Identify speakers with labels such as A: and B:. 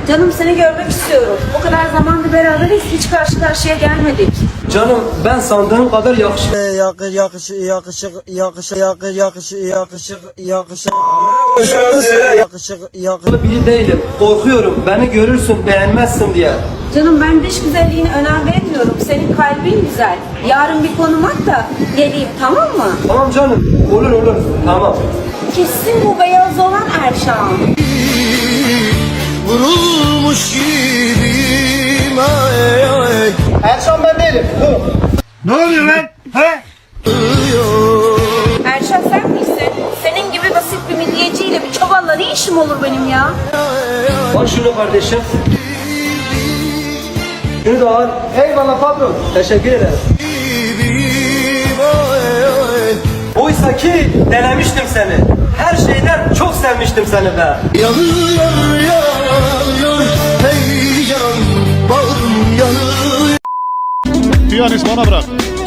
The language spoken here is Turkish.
A: Canım seni görmek istiyorum. O kadar zamandır beraberiz, hiç karşı karşıya gelmedik.
B: Canım ben sandığım kadar yakışıklı biri değilim. Korkuyorum beni görürsün beğenmezsin diye.
A: Canım ben dış güzelliğine önem vermiyorum. Senin kalbin güzel. Yarın bir konum at da geleyim, tamam mı?
B: Tamam canım, olur tamam.
A: Kesin bu beyaz olan Erşan.
C: Vurulmuş gibiyim ay ay.
B: Erşan ben değilim.
D: Ne oluyor lan? He?
A: Erşan sen misin? Senin gibi basit bir midyeciyle bir çuvalla ne işim olur benim ya?
B: Al şunu kardeşim. Şunu da al. Eyvallah patron. Teşekkür ederim. Oysa ki denemiştim seni. Her şeyden çok sevmiştim seni be.
C: Yanıyor yanıyor hey can bağrım yanıyor.
D: Piyanist bana bırak.